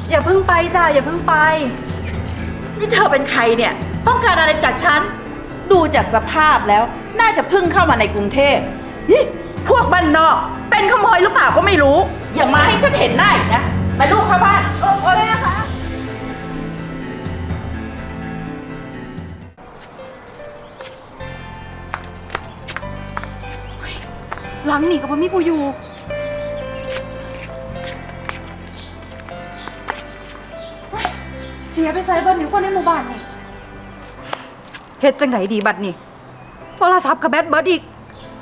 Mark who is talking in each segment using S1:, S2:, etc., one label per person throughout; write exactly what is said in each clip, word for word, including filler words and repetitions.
S1: อย่าเพิ่งไปจ้ะอย่าเพิ่งไป
S2: นี่เธอเป็นใครเนี่ยต้องการอะไรจากฉันดูจากสภาพแล้วน่าจะเพิ่งเข้ามาในกรุงเทพฮิพวกบ้านนอกเป็นขโมยหรือเปล่าก็ไม่รู้อย่ามาให้ฉันเห็นหน้าอีกนะไปลูกเข้าบ้านโอ้ยนะคะ
S1: หลังหนีกับพ่อมีผู้อยู่เฮ้ยเสียไปใส่เบิร์นอยู่คนในหมู่บ้านนี่เฮ็ดจังไหนดีบัดนี่โทรศัพท์กับแบตเบิร์ดอีก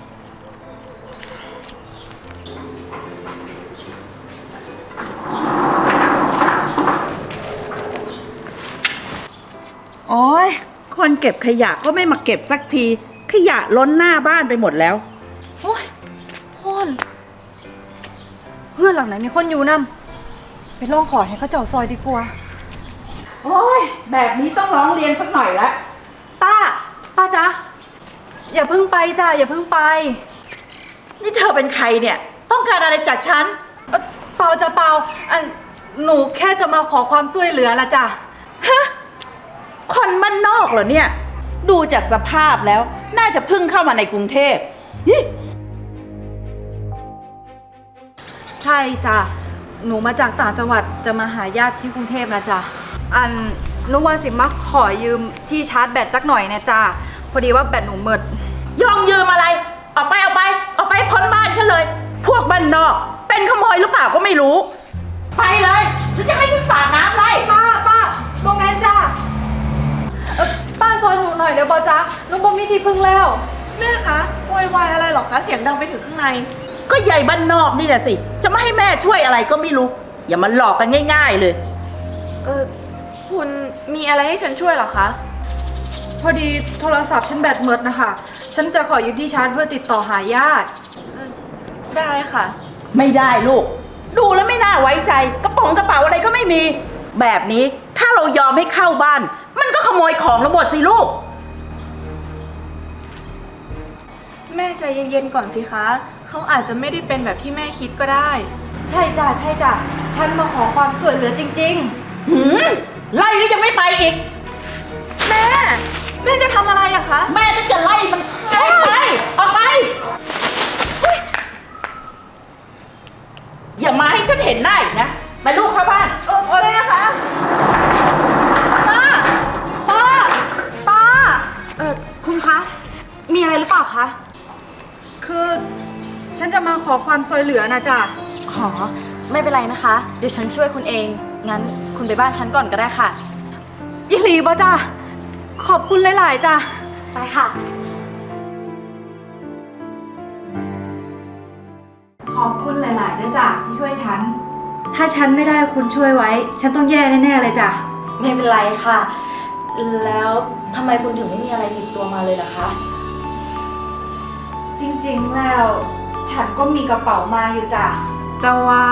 S2: โอ้ยคนเก็บขยะก็ไม่มาเก็บสักทีขยะล้นหน้าบ้านไปหมดแล้ว
S1: โอ้ยพ่อนเพื่อนหลังไหนมีคนอยู่นำไปร้องขอให้เขาเจ้าซอยดีกว่า
S2: โอ้ยแบบนี้ต้องร้องเรียนสักหน่อยละ
S1: ป้าป้าจ๊ะอย่าเพิ่งไปจ้ะอย่าเพิ่งไป
S2: นี่เธอเป็นใครเนี่ยต้องการอะไรจากฉัน
S1: เอ่อเปล่าจะเปล่าอันหนูแค่จะมาขอความช่วยเหลือละจ้ะ
S2: ฮะคนบ้านนอกเหรอเนี่ยดูจากสภาพแล้วน่าจะเพิ่งเข้ามาในกรุงเทพ
S1: ใช่จ้ะหนูมาจากต่างจังหวัดจะมาหาญาติที่กรุงเทพนะจ้ะอันนุวันสิมาขอยืมที่ชาร์จแบตจักหน่อยนะจ้ะพอดีว่าแบตหนูหมด
S2: ยองยืมอะไรออกไปออกไปออกไปพ้นบ้านฉันเลยพวกบ้านนอกเป็นขโมยหรือเปล่าก็ไม่รู้ไปเลยฉันจะให้ฉันสาดน้ำไล่
S1: ป้าป้าโมแมนจ้ะป้าซอยหนูหน่อยเดี๋ยวบอจ้ะหนูบ่มีที่พึ่งแล้ว
S3: แม่คะโวยวายอะไรหรอคะเสียงดังไปถึงข้างใน
S2: ก็ใหญ่บ้านนอกนี่แหละสิจะไม่ให้แม่ช่วยอะไรก็ไม่รู้อย่ามาหลอกกันง่ายๆเลย
S3: เออคุณมีอะไรให้ฉันช่วยหรอคะ
S1: พอดีโทรศัพท์ฉันแบตหมดนะคะฉันจะขอยืมที่ชาร์จเพื่อติดต่อหาญาติ
S3: ได้ค่ะ
S2: ไม่ได้ลูกดูแล้วไม่น่าไว้ใจกระป๋องกระเป๋าอะไรก็ไม่มีแบบนี้ถ้าเรายอมให้เข้าบ้านมันก็ขโมยของเราหมดสิลูก
S3: แม่ใจเย็นๆก่อนสิคะเขาอาจจะไม่ได้เป็นแบบที่แม่คิดก็ได้
S1: ใช่จ้ะใช่จ้ะฉันมาขอความช่วยเหลือจริง
S2: ๆหืมไล่แล้วยังไม่ไปอีก
S3: แม่แม่จะทำอะไรอะคะ
S2: แม่จะไล่มันออกไปออกไปอย่ามาให้ฉันเห็นหน้าอีกนะไปลูกเข้าบ้าน
S3: เออแม่คะ
S1: ป้าป้าป้าเออคุณคะมีอะไรหรือเปล่าคะคือฉันจะมาขอความช่วยเหลือนะจ๊ะ
S4: อ๋อไม่เป็นไรนะคะเดี๋ยวฉันช่วยคุณเองงั้นคุณไปบ้านฉันก่อนก็ได้ค่ะ
S1: อีหลีบ่จ้ะขอบคุณหลายๆจ้ะ
S4: ไปค่ะ
S1: ขอบคุณหลายๆด้วยจ้ะที่ช่วยฉันถ้าฉันไม่ได้คุณช่วยไว้ฉันต้องแย่แน่ๆเลยจ้ะ
S4: ไม่เป็นไรค่ะแล้วทำไมคุณถึงไม่มีอะไรติดตัวมาเลยล่ะคะ
S1: จริงๆแล้วฉันก็มีกระเป๋ามาอยู่จ้ะแต่ว่า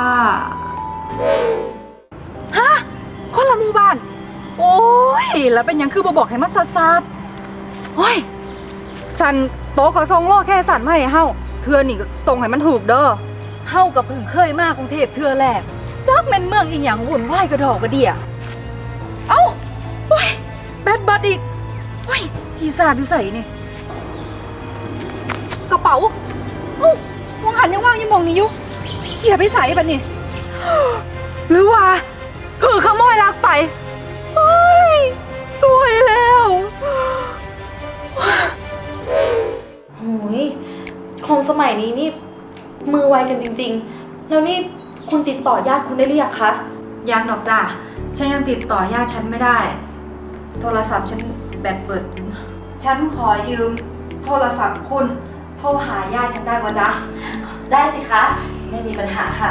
S1: ฮะคนละหมู่บ้านโอ้ยแล้วเป็นยังคือบ่บอกให้มันซัดๆโอ้ยสันโต๊ะก็ส่งโลแค่สันไม่ให้เฮาเทื่อนี่ส่งให้มันถูกเด้อเฮากับเพิ่งเคยมากรุงเทพเทื่อแรกจักแม่นเมืองอีหยังวุ่นวายกระดอกกระเดี่ยเอ้าโอ้ยแบดบัดอีกโอ้ยพี่ซาดอยู่ใส่นี่กระเป๋าเอ้ามองหันยังว่างยังมองนี่อยู่เสียไปใส่บัดนี่หรือว่าคือขโมยลักไปเฮ้ยสวยแล้ว
S4: โหยคนสมัยนี้นี่มือไวกันจริงๆแล้วนี่คุณติดต่อญาติคุณได้หรือยังคะ
S1: ยังดอกจ้ะฉันยังติดต่อญาติฉันไม่ได้โทรศัพท์ฉันแบตเปิดฉันขอยืมโทรศัพท์คุณโทรหาญาติฉันได้ป่ะจ๊ะ
S4: ได้สิคะไม่มีปัญหาค่ะ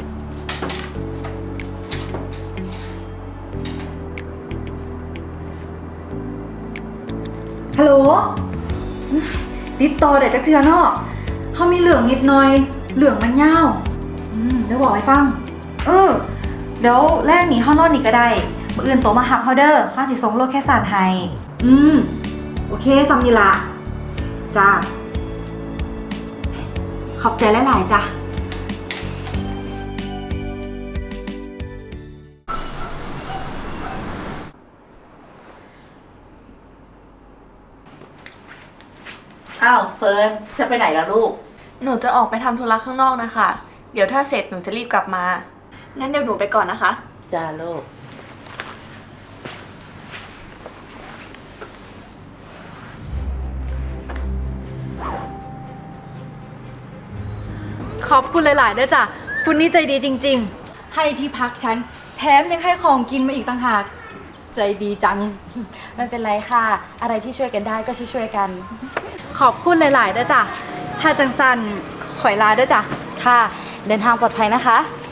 S1: ฮัลโหลติดต่อเดี๋ยวจะเทือนอกเขามีเหลืองนิดหน่อยเหลืองมันยาวอืมเดี๋ยวบอกให้ฟังเออเดี๋ยวแรกหนีห้องนอนนี่ก็ได้มื้ออื่นโตมาหักเฮาเด้อห้าสิส่งโลแค่สานไทยอืมโอเคซัมนี่ละจ้าขอบใจหลายๆจ้ะ
S2: อ้าวเฟิร์นจะไปไหนล่ะลูก
S3: หนูจะออกไปทำธุระข้างนอกนะคะ เดี๋ยวถ้าเสร็จหนูจะรีบกลับมา งั้นเดี๋ยวหนูไปก่อนนะคะ
S2: จ้าลูก
S1: ขอบคุณหลายๆด้วยจ้ะคุณนี่ใจดีจริงๆ ให้ที่พักฉัน แถมยังให้ของกินมาอีกต่างหาก ใจดีจัง
S4: ไม่เป็นไรค่ะ อะไรที่ช่วยกันได้ก็ช่วยๆกัน
S1: ขอบคุณหลายๆด้วยจ้ะ ถ้าจังสันข่อยลาด้วยจ้ะ
S4: ค่ะ เดินทางปลอดภัยนะคะ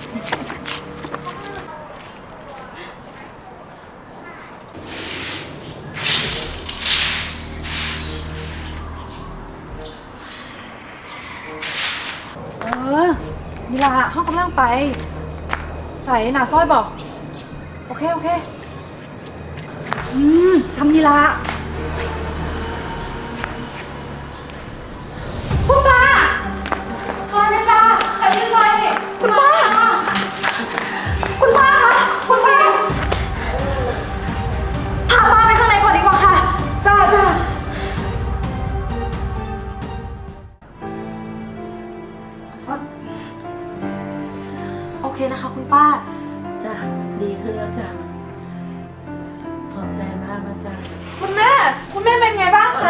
S1: เออนี่ละห้องกำลังไป ใส่หนาซ้อยบอก โอเค โอเค อืมซ้ำนี่ละคุณป้าคอยนะจ้าใครยืนไว้คุณป้า คุณป้าคะคุณป้าพาป้าไปข้างในก่อนดีกว่าค่ะ จ้าจ้า
S4: โอเคนะคะคุณป้า
S2: จ้าดีขึ้นแล้วจ้ะขอบใจมากนะจ้ะ
S3: คุณแม่ คุณแม่เป็นไงบ้างคะ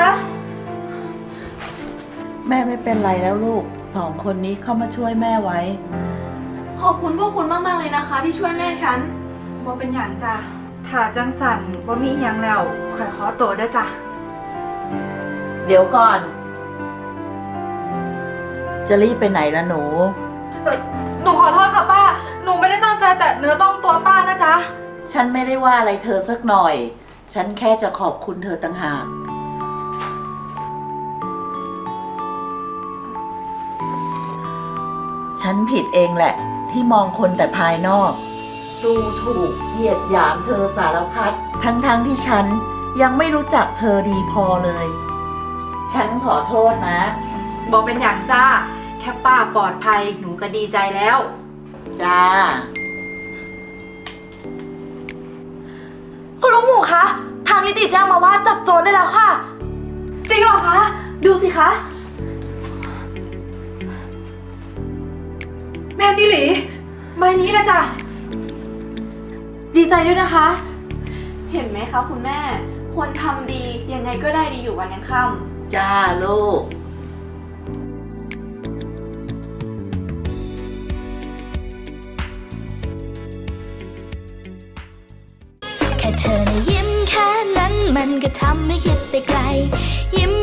S2: แม่ไม่เป็นไรแล้วลูก สองคนนี้เข้ามาช่วยแม่ไว้
S3: ขอบคุณพวกคุณมากๆเลยนะคะ ที่ช่วยแม่ฉัน
S1: บ่เป็นอย่างจ้ะถ้าจังสันบ่มีอหยังแล้วข่อยขอตัวเด้อจ้ะ
S2: เดี๋ยวก่อน จะรีบไปไหนละหนู
S1: เอ่อหนูขอโทษค่ะป้า หนูไม่ได้ตั้งใจแต่เนื้อต้องตัวป้านะจ๊ะ
S2: ฉันไม่ได้ว่าอะไรเธอสักหน่อย ฉันแค่จะขอบคุณเธอต่างหาก ฉันผิดเองแหละ ที่มองคนแต่ภายนอก ดูถูกเหยียดหยามเธอสารพัดทั้งๆทที่ฉันยังไม่รู้จักเธอดีพอเลย ฉันขอโทษนะ
S1: บอกเป็นอย่างจ้า แค่ป้าปลอดภัยหนูก็ดีใจแล้ว
S2: จ้า
S4: คุณลุงหมูคะ ทางนิติแจ้งมาว่าจับโจรได้แล้วค่ะ
S1: จริงเหรอคะ
S4: ดูสิคะ
S1: แม่นี่หลีใบนี้นะจ๊ะ
S4: ดีใจด้วยนะคะ
S3: เห็นไหมคะคุณแม่ คนทำดียังไงก็ได้ดีอยู่วันยังค่ำ
S2: จ้าลูก
S5: แค่เธอนะยิ้มแค่นั้นมันก็ทำให้คิดไปไกล ยิ้ม